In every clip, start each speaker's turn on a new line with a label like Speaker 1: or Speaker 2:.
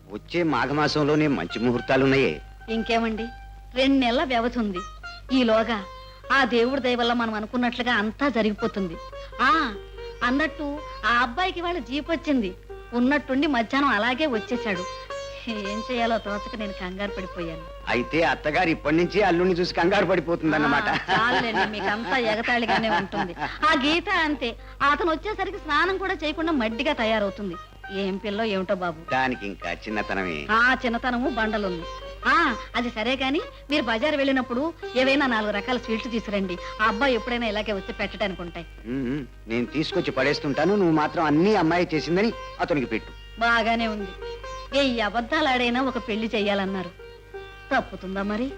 Speaker 1: వచ్చే మాఘమాసంలోనే మంచి ముహూర్తాలున్నాయే.
Speaker 2: ఇంకేమండి, 2 నెలల వ్యవధి ఉంది. ఈలోగా ఆ దేవుడి దయ వల్ల మనం అనుకున్నట్లుగా అంతా జరిగిపోతుంది. అన్నట్టు ఆ అబ్బాయికి వాళ్ళ జీప్ వచ్చింది. ఉన్నట్టుండి మధ్యాహ్నం అలాగే వచ్చేశాడు. ఏం చేయాలో తోచక నేను కంగారు పడిపోయాను.
Speaker 1: అయితే అత్తగారు ఇప్పటి నుంచి అల్లుడిని చూసి కంగారు పడిపోతుందన్నమాట.
Speaker 2: చాలండి, మీకంతా ఎగతాళిగానే ఉంటుంది. ఆ గీత అంతే, అతను వచ్చేసరికి స్నానం కూడా చేయకుండా మడ్డిగా తయారవుతుంది. ఏం పిల్లో ఏమిటో బాబు.
Speaker 1: దానికి ఇంకా చిన్నతనమే.
Speaker 2: చిన్నతనము బండలుంది. అది సరే గాని మీరు బజార్ వెళ్ళినప్పుడు ఏవైనా 4 రకాల స్వీట్లు తీసుకురండి. ఆ అబ్బాయి ఎప్పుడైనా ఇలాగే వచ్చి పెట్టడానికి ఉంటాయి.
Speaker 1: నేను తీసుకొచ్చి పడేస్తుంటాను, నువ్వు మాత్రం అన్ని అమ్మాయి చేసిందని అతనికి పెట్టు.
Speaker 2: బాగానే ఉంది. ఏ అబద్ధాలు ఆడైనా ఒక పెళ్లి చెయ్యాలన్నారు, తప్పుతుందా మరి?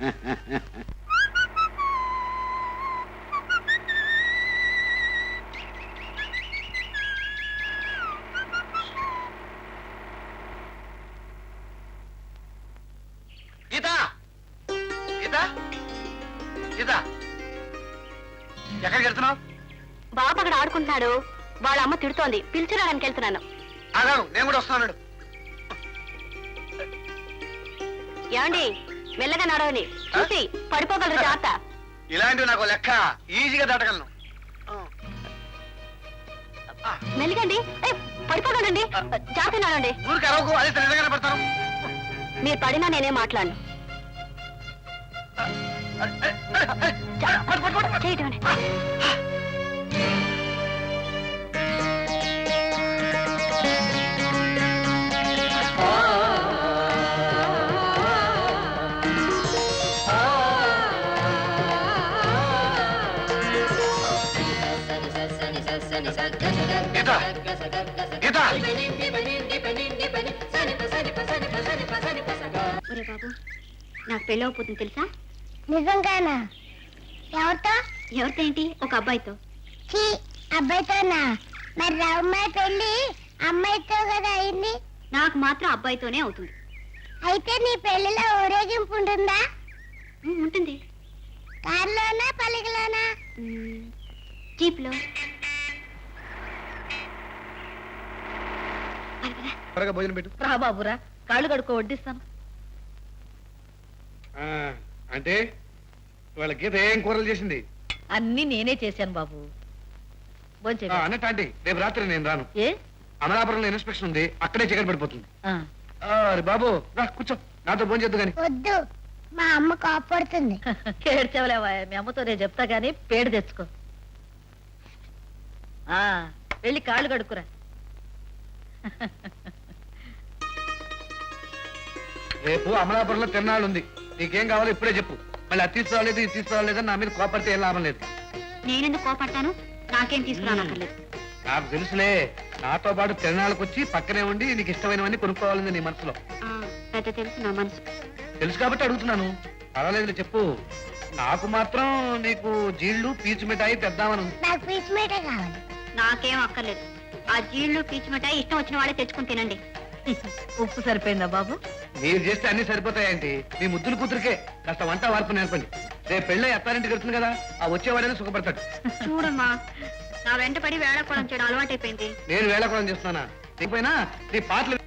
Speaker 3: ఎక్కడికి వెళ్తున్నావు?
Speaker 4: బాబు అక్కడ ఆడుకుంటున్నాడు, వాళ్ళ అమ్మ తిడుతోంది, పిలిచిరాడానికి వెళ్తున్నాను.
Speaker 3: ఆగాను, నేను కూడా వస్తున్నాడు.
Speaker 4: ఏమండి, మెల్లగా నడవని, చూసి పడిపోగలరు, జాగ్రత్త.
Speaker 3: ఇలాంటివి నాకు లెక్క, ఈజీగా దాటగలను.
Speaker 4: మెల్లిగండి, పడిపోగలండి, జాగ్రత్త నడవండి.
Speaker 3: ఊరికి అరవకు, అది నిజంగానే పడతాను.
Speaker 4: మీరు పడినా నేనే మాట్లాడను. చేయటండి. ఒరే బాబు, నాకు పెళ్ళవపోతుంది తెలుసా?
Speaker 5: నిజంగానా? ఎవరితో?
Speaker 4: ఎవరితో ఏంటి? ఒక అబ్బాయితో.
Speaker 5: అబ్బాయితోనా? మరి రామ్మాయి పెళ్లి అమ్మాయితో కదా అయింది.
Speaker 4: నాకు మాత్రం అబ్బాయితోనే అవుతుంది.
Speaker 5: అయితే నీ పెళ్లిలో ఊరేగింపు ఉంటుందా?
Speaker 4: ఉంటుంది.
Speaker 5: కారులోనా పలికలోనా?
Speaker 4: జీప్ లో.
Speaker 3: భోజనం పెట్టు.
Speaker 2: రా బాబురా, కాళ్ళు కడుక్కో, వడ్డిస్తాను.
Speaker 3: అంటే వాళ్ళ గీత ఏం కూరలు చేసింది?
Speaker 2: అన్ని నేనే చేశాను బాబు.
Speaker 3: అన్నట్టు ఆంటీ, రేపు రాత్రి నేను రాను.
Speaker 2: ఏ?
Speaker 3: అమలాపురంలో ఇన్స్పెక్షన్ ఉంది, అక్కడే చీకటి పడిపోతుంది. బాబు రా, కూర్చో, నాతో భోజనం చేద్దు గాని.
Speaker 5: వద్దు, మా అమ్మ కోపడుతుంది.
Speaker 2: ఏడ్చవలేవా, మీ అమ్మతో నేను చెప్తా గానీ పేడు తెచ్చుకో. వెళ్ళి కాళ్ళు కడుక్కురా.
Speaker 3: రేపు అమలాపురంలో తిరునాళ్ళు ఉంది, నీకేం కావాలో ఇప్పుడే చెప్పు. మళ్ళీ అది తీసుకురాలేదు, ఇది తీసుకురాలేదని నా మీద కోపడితే ఏం లాభం లేదు.
Speaker 4: నేనెందుకు కోపడతాను? నాకేం తీసుకురానక్కర్లేదు.
Speaker 3: నాకు తెలుసులే, నాతో పాటు తిరునాళ్ళకి వచ్చి పక్కనే ఉండి నీకు ఇష్టమైనవన్నీ కొనుక్కోవాలని నీ మనసులో.
Speaker 4: పెద్ద తెలుసు నా మనసు.
Speaker 3: తెలుసు కాబట్టి అడుగుతున్నాను. పర్వాలేదు చెప్పు. నాకు మాత్రం నీకు జీళ్లు పీచు మిఠాయి తెద్దామని ఉంది.
Speaker 5: నాకు పీచు మిఠాయి కావాలి.
Speaker 4: నాకేం అక్కర్లేదు. ఆ జీళ్లు పీచు మిఠాయి ఇష్టం వచ్చిన వాళ్ళే తెచ్చుకుని తినండి.
Speaker 2: ఉప్పు సరిపోయిందా బాబు?
Speaker 3: మీరు చేస్తే అన్ని సరిపోతాయంటే మీ ముద్దుల కూతురికే కాస్త వంట వార్పు నేర్పండి. రేపు పెళ్ళై అత్తారింటికి వెళ్తుంది కదా, ఆ వచ్చేవాడైనా సుఖపడతాడు.
Speaker 4: చూడమ్మా, నా వెంట పడి వేళకోళం చేయడం అలవాటైపోయింది.
Speaker 3: నేను వేళకోళం చేస్తున్నానా? నీకుపోయినా నీ పాటలు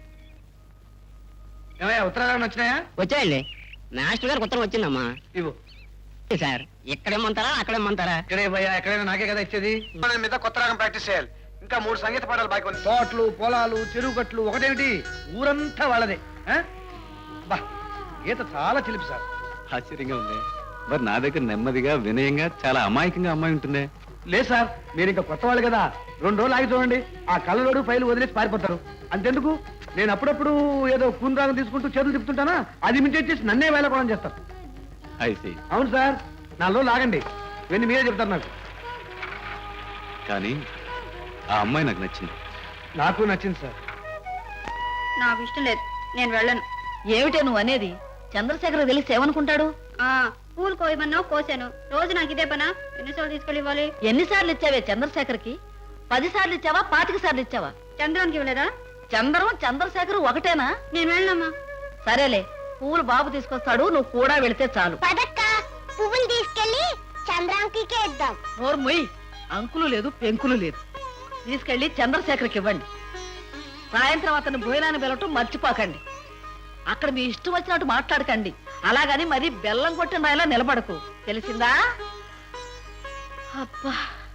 Speaker 3: ఏమయ్యా, ఉత్తరాలు వచ్చినాయా?
Speaker 6: వచ్చాయండి. మాస్టర్ గారికి ఉత్తరం వచ్చిందమ్మా.
Speaker 3: ఇవ్వు
Speaker 6: సార్, ఇక్కడేమంటారా అక్కడేమంటారా?
Speaker 3: ఇక్కడే భయ్యా, ఎక్కడైనా నాకే కదా ఇచ్చేది. మీద కొత్త రాగం ప్రాక్టీస్ చేయాలి. ఇంకా 3 సంగీత పాటలు బాగా. తోటలు, పొలాలు, చెరువు కట్లు ఒకటేమిటి, ఊరంతా వాళ్ళదే. బా, గీత చాలా చిలిపి సార్.
Speaker 7: ఆశ్చర్యంగా ఉంది. మరి నా దగ్గర నెమ్మదిగా వినయంగా చాలా అమాయకంగా అమ్మాయి ఉంటుందే.
Speaker 3: లేదు సార్, మీరు ఇంకా కొత్త వాళ్ళు కదా, 2 రోజులు ఆగి చూడండి. ఆ కళ్ళలోడు ఫైలు వదిలేసి పారిపోతారు. అంతెందుకు, నేను అప్పుడప్పుడు ఏదో కూని రాగం తీసుకుంటూ చేతులు తిప్పుతుంటానా, అది మించి చేసి నన్నే వేళకోవడం చేస్తారు. అవును సార్, 4 రోజులు ఆగండి, ఇవన్నీ మీరే చెప్తారు నాకు.
Speaker 7: కానీ ఆ అమ్మాయి నాకు నచ్చింది.
Speaker 3: నాకు నచ్చింది సార్.
Speaker 4: నాకు ఇష్టం లేదు, నేను వెళ్ళను.
Speaker 2: ఏమిటే నువ్వు అనేది? చంద్రశేఖర్ తెలిసి ఏమనుకుంటాడు?
Speaker 4: పూలు కోయమన్నా కోసాను, రోజు నాకు ఇదే పనా? ఎన్నిసార్లు తీసుకెళ్ళి ఇవ్వాలి?
Speaker 2: ఎన్నిసార్లు ఇచ్చావే చంద్రశేఖర్కి? 10 సార్లు ఇచ్చావా, 25 సార్లు ఇచ్చావా?
Speaker 4: చంద్రానికి ఇవ్వలేదా?
Speaker 2: చంద్రం చంద్రశేఖర్ ఒకటేనా?
Speaker 4: నేను వెళ్ళనమ్మా.
Speaker 2: సరేలే, పువ్వులు బాబు తీసుకొస్తాడు, నువ్వు కూడా వెళితే చాలు.
Speaker 5: పదక్క, పువ్వులు తీసుకెళ్లి చంద్రాంకి ఇద్దాం.
Speaker 2: నోరు మొయ్యి, అంకులు లేదు పెంకులు లేదు. తీసుకెళ్లి చంద్రశేఖర్కి ఇవ్వండి. సాయంత్రం అతను భోజనాన్ని వెళ్ళటం మర్చిపోకండి. అక్కడ మీ ఇష్టం వచ్చినట్టు మాట్లాడకండి. అలాగని మరి బెల్లం కొట్టిన రాయిలా నిలబడకు, తెలిసిందా? అబ్బా,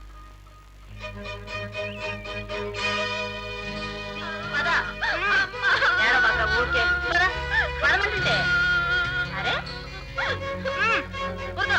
Speaker 2: పద. ఏడవక ఊరికే. పద, పదమంటుంటే. అరే కూర్చో.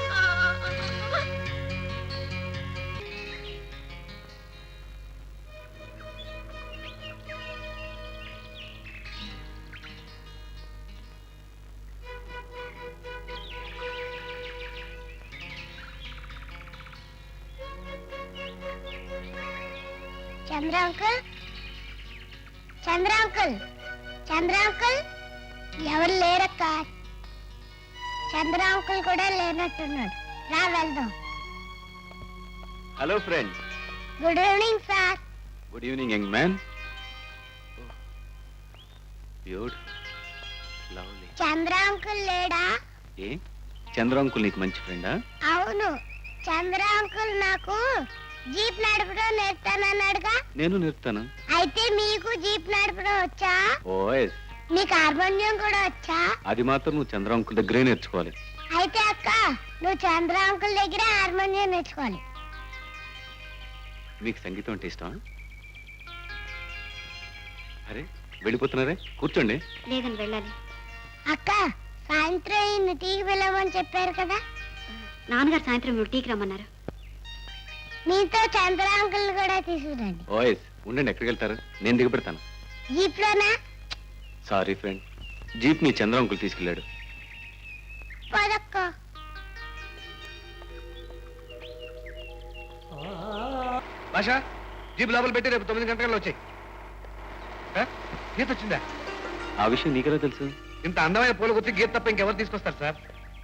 Speaker 5: Chandra uncle, Chandra uncle, Chandra uncle, ఎవరు లేరక్క. చంద్ర అంకుల్ కూడా లేనట్టున్నాడు. రా వెళ్దాం.
Speaker 7: Hello friend.
Speaker 5: Good evening sir.
Speaker 7: Good evening young man. Beautiful, lovely.
Speaker 5: Chandra uncle లేడా?
Speaker 7: ఏ చంద్ర అంకుల్ నీకు మంచి ఫ్రెండా?
Speaker 5: అవును, చంద్ర అంకుల్ నాకు జీప్ నడపడం నేర్తానన్నాడుగా.
Speaker 7: నేను నేర్పుతాను.
Speaker 5: అయితే మీకు జీప్ నడపడం వచ్చా?
Speaker 7: ఓఎస్.
Speaker 5: మీకు హార్మోనియం కూడా వచ్చా?
Speaker 7: అది మాత్రం నువ్వు చంద్ర అంకుల్ దగ్గరే నేర్చుకోవాలి.
Speaker 5: అయితే అక్క, నువ్వు చంద్ర అంకుల్ దగ్గర హార్మోనియం నేర్చుకోవాలి.
Speaker 7: మీకు సంగీతం అంటే ఇష్టమా? అరే వెళ్ళిపోతున్నారే, కూర్చోండి.
Speaker 4: లేదని వెళ్ళాలి.
Speaker 5: అక్క, సాయంత్రం ఈయన టీకి వెళ్ళమని చెప్పారు కదా.
Speaker 4: నాన్నగారు సాయంత్రం మీరు టీకి రమ్మన్నారు.
Speaker 5: మీతో చంద్ర అంకుల్ కూడా తీసుకురండి.
Speaker 7: ఓఎస్. ఉండండి, ఎక్కడికి వెళ్తారు? నేను దిగి పెడతాను.
Speaker 5: జీప్ లోనా?
Speaker 7: సారీ ఫ్రెండ్, జీప్ ని చంద్ర అంకుల్ తీసుకెళ్ళాడు.
Speaker 5: పదక్క.
Speaker 3: భాష, జీప్ లోపల పెట్టి రేపు 9 గంటల వచ్చాయి. గీత వచ్చిందా?
Speaker 7: ఆ విషయం నీకెలా తెలుసు?
Speaker 3: ఇంత అందమైన పూల గుర్తి గీత తప్ప ఇంకెవరు తీసుకొస్తారు సార్?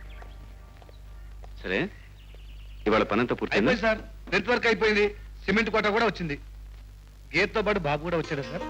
Speaker 7: సరే, ఇవాళ పనంతా పూర్తయిందా?
Speaker 3: అయిపోయింది సార్. నెట్ వర్క్ అయిపోయింది. సిమెంట్ కోట కూడా వచ్చింది. గేట్తో పాటు బాబు కూడా వచ్చాడు సార్.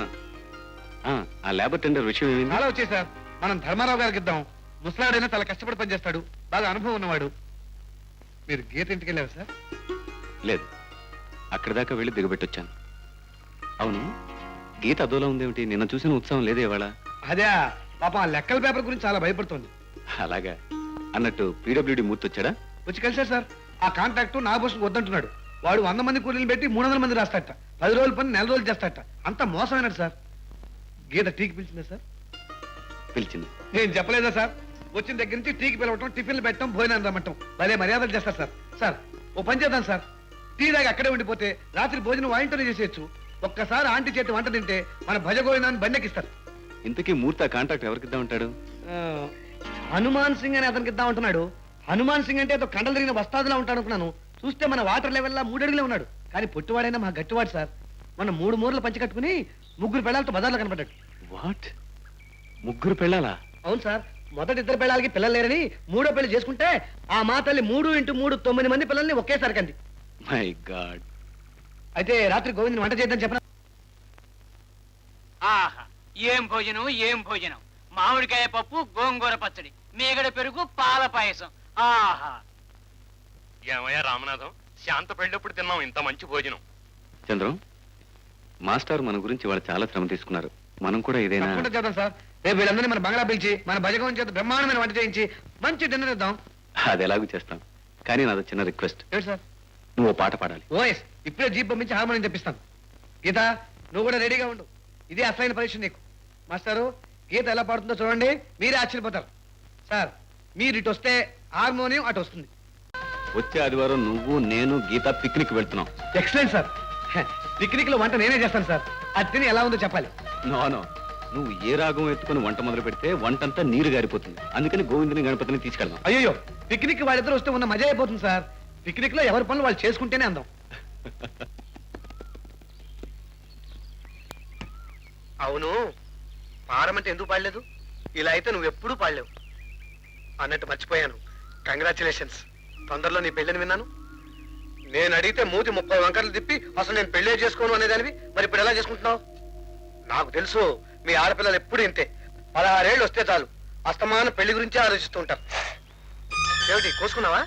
Speaker 7: ఆ లేబర్ టెండర్ విషయం ఏమైంది?
Speaker 3: చాలా వచ్చాయి సార్. మనం ధర్మారావు గారికి ఇద్దాం. ముసలాడైనా చాలా కష్టపడి పనిచేస్తాడు, బాగా అనుభవం ఉన్నవాడు. మీరు గీత ఇంటికి వెళ్ళారు సార్?
Speaker 7: లేదు, అక్కడి దాకా వెళ్ళి దిగబెట్టొచ్చాను. అవును, గీత అదోలా ఉందేమిటి? నిన్న చూసిన ఉత్సవం లేదే ఇవాళ?
Speaker 3: అదే పాపం, ఆ లెక్కల పేపర్ గురించి చాలా భయపడుతోంది.
Speaker 7: అలాగా. అన్నట్టు పీడబ్ల్యూడి మూర్తి వచ్చాడా?
Speaker 3: వచ్చి కలిసారు సార్. ఆ కాంట్రాక్ట్ నాగభూషణ్ వద్దంటున్నాడు. వాడు 100 మంది కూలీలు పెట్టి 300 మంది రాస్తాట. 10 రోజుల పని 4 రోజులు చేస్తాట. అంత మోసమైనట్టు సార్. గీత టీకి పిలిచిందా సార్?
Speaker 7: పిలిచింది.
Speaker 3: నేను చెప్పలేదా సార్? వచ్చిన దగ్గర నుంచి టీకి పిలవటం, టిఫిన్లు పెట్టడం, భోజనం రమ్మటం, భలే మర్యాదలు చేస్తారు సార్. సార్, ఓ పని చేద్దాం సార్. టీ దాకా అక్కడే ఉండిపోతే రాత్రి భోజనం వాయింటనే చేసేయచ్చు. ఒక్కసారి ఆంటీ చేతి వంట తింటే మన భజగోవిందాన్ని బండెక్కిస్తారు.
Speaker 7: ఇంతకీ మూర్తి ఆ కాంట్రాక్ట్ ఎవరికి ఇద్దాం ఉంటాడు?
Speaker 3: హనుమాన్ సింగ్ అని అతనికి ఇద్దాం అంటున్నాడు. హనుమాన్ సింగ్ అంటే ఏదో కండలు తిరిగిన వస్తాదులా ఉంటాడు అనుకున్నాను. చూస్తే మన వాటర్ లెవెల్లా 3 అడుగులే ఉన్నాడు. కానీ పొట్టివాడైనా మా గట్టివాడు సార్. మన 3 మూరలు పంచి కట్టుకుని 3 పెళ్ళాలతో బజార్లో కనపడ్డాడు.
Speaker 7: వాట్? 3 పెళ్ళాలా?
Speaker 3: అవును సార్. మొదటి 2 పెళ్ళాలకి పిల్లలు లేరని 3వ పెళ్లి చేసుకుంటే ఆ మా తల్లి 3 × 3 9 మంది పిల్లల్ని ఒకేసారి కంది.
Speaker 7: My god.
Speaker 3: అయితే రాత్రి గోవిందని వంట చేద్దాం చెప్పనా?
Speaker 8: ఆహా, ఏం భోజనం ఏం భోజనం! మామిడికాయ పప్పు, గోంగూర పచ్చడి, మేగడ పెరుగు, పాల పాయసం. ఆహా!
Speaker 9: ఏమయ్యా రామనాథం, శాంత పెళ్ళప్పుడు తిన్నాం ఇంత మంచి భోజనం.
Speaker 7: చంద్రం, మాస్టర్ మన గురించి వాళ్ళు చాలా శ్రమ తీసుకున్నారు. మనం కూడా ఏదైనా
Speaker 3: తప్పకుండా చేద్దాం సార్. రేపు వీళ్ళందరినీ మన బంగ్లా పిలిచి మన భజగోవింద చేత బ్రహ్మాండమైన వంట చేయించి మంచి డిన్నర్ ఇద్దాం.
Speaker 7: అది ఎలాగూ చేస్తాం. కానీ నాది చిన్న రిక్వెస్ట్.
Speaker 3: ఏంటి సార్?
Speaker 7: నువ్వు ఓ పాట పాడాలి.
Speaker 3: ఓఎస్, ఇప్పుడే జీప్ పంపించి హార్మోనియం తెప్పిస్తాను. గీత, నువ్వు కూడా రెడీగా ఉండు. ఇదే అసలైన పరీక్ష నీకు. మాస్టారు, గీత ఎలా పాడుతుందో చూడండి, మీరే ఆశ్చర్యపోతారు. సార్, మీరు ఇటు వస్తే హార్మోనియం అటు వస్తుంది.
Speaker 7: వచ్చే ఆదివారం నువ్వు, నేను, గీత పిక్నిక్ వెళ్తున్నాం.
Speaker 3: Excellent sir. పిక్నిక్ లో వంట నేనే చేస్తాను సార్. అది తిని ఎలా ఉందో చెప్పాలి.
Speaker 7: నో, నువ్వు ఏ రాగం ఎత్తుకుని వంట మొదలు పెడితే వంటంతా నీరు గారిపోతుంది. అందుకని గోవిందుని గణపతిని తీసుకెళ్దాం.
Speaker 3: అయ్యో, పిక్నిక్ వాళ్ళిద్దరు వస్తే ఉన్న మజా అయిపోతుంది సార్. పిక్నిక్ లో ఎవరి పనులు వాళ్ళు చేసుకుంటేనే అందం. అవును, పాడమంటే ఎందుకు పాడలేదు? ఇలా అయితే నువ్వు ఎప్పుడూ పాడలేవు. అన్నట్టు మర్చిపోయాను, కంగ్రాచులేషన్స్. తొందరలో నీ పెళ్ళని విన్నాను. నేను అడిగితే మూతి 30 వంకర్లు తిప్పి అసలు నేను పెళ్ళే చేసుకోను అనేదానివి. మరి ఇప్పుడు ఎలా చేసుకుంటున్నావు? నాకు తెలుసు, మీ ఆడపిల్లలు ఎప్పుడు ఇంతే. 16 ఏళ్ళు వస్తే చాలు అస్తమానం పెళ్లి గురించే ఆలోచిస్తూ ఉంటారు. ఏమిటి కోసుకున్నావా?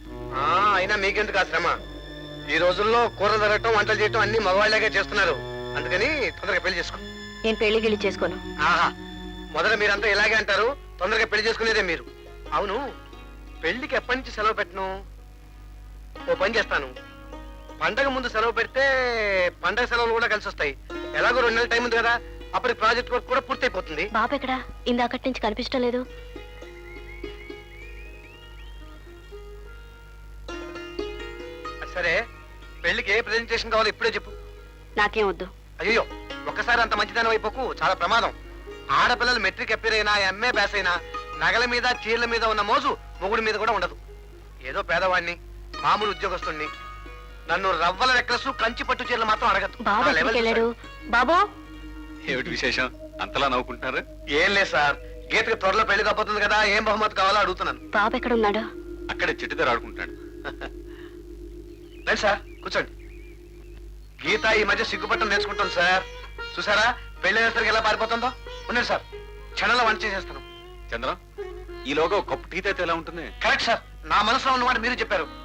Speaker 3: అయినా మీకెందుకు ఆ శ్రమ? ఈ రోజుల్లో కూర జరగటం, వంటలు చేయటం అన్ని మగవాళ్ళగా చేస్తున్నారు. అందుకని తొందరగా పెళ్లి చేసుకో.
Speaker 4: నేను పెళ్లి గిళ్ళి చేసుకోను.
Speaker 3: ఆహా, మొదట మీరంతా ఇలాగే అంటారు, తొందరగా పెళ్లి చేసుకునేదే మీరు. అవును, పెళ్లికి ఎప్పటి నుంచి సెలవు పెట్టను? ఓ పని చేస్తాను, పండగ ముందు సెలవు పెడితే పండగ సెలవులు కూడా కలిసి వస్తాయి. ఎలాగో 2 నెలల టైం ఉంది కదా, అప్పటికి ప్రాజెక్ట్ వర్క్ కూడా పూర్తయిపోతుంది.
Speaker 4: బాబు ఎక్కడా? ఇందాకటి నుంచి కనిపించడం లేదు.
Speaker 3: సరే, పెళ్లికి ఏ ప్రెజెంటేషన్ కావాలో ఇప్పుడే చెప్పు.
Speaker 4: నాకేం వద్దు.
Speaker 3: అయ్యో, ఒక్కసారి అంత మంచిదనం అయిపోకు, చాలా ప్రమాదం. ఆడపిల్లలు మెట్రిక్ అప్పీర్ అయినా ఎంఏ పాస్ అయినా నగల మీద చీరల మీద ఉన్న మోజు మొగుడి మీద కూడా ఉండదు. ఏదో పేదవాడిని, మామూలు ఉద్యోగస్తుణ్ణి, నన్ను రవ్వల నెక్లెస్ కంచి పట్టు చీరలు మాత్రం అడగదు.
Speaker 4: బాబు
Speaker 3: నా
Speaker 4: ఎక్కడికి
Speaker 3: లెవెల్
Speaker 4: వెళ్ళాడు?
Speaker 3: చూశాడు.
Speaker 4: బాబు
Speaker 7: ఏమిటి విశేషం అంతలా నవ్వుకుంటున్నారు?
Speaker 3: ఏం లేదు సార్, గీతకి త్వరలో పెళ్లి కాబోతుంది కదా, ఏం బహుమతి కావాలో అడుగుతున్నాను.
Speaker 4: బాబు ఎక్కడ ఉన్నాడు?
Speaker 7: అక్కడే చెట్టు దగ్గర ఆడుకుంటాడు.
Speaker 3: రండి సార్, కూర్చోండి. గీత ఈ మధ్య సిగ్గుపట్టం నేర్చుకుంటాం సార్. చూసారా పెళ్లి ఎలా పారిపోతుందో? ఉండండి సార్, క్షణంలో వంట చేసేస్తాను.
Speaker 7: చంద్రం, ఈలోగా ఒక కప్పు టీ అయితే ఎలా ఉంటుంది?
Speaker 3: కరెక్ట్ సార్, నా మనసులో ఉన్నమాట మీరు చెప్పారు.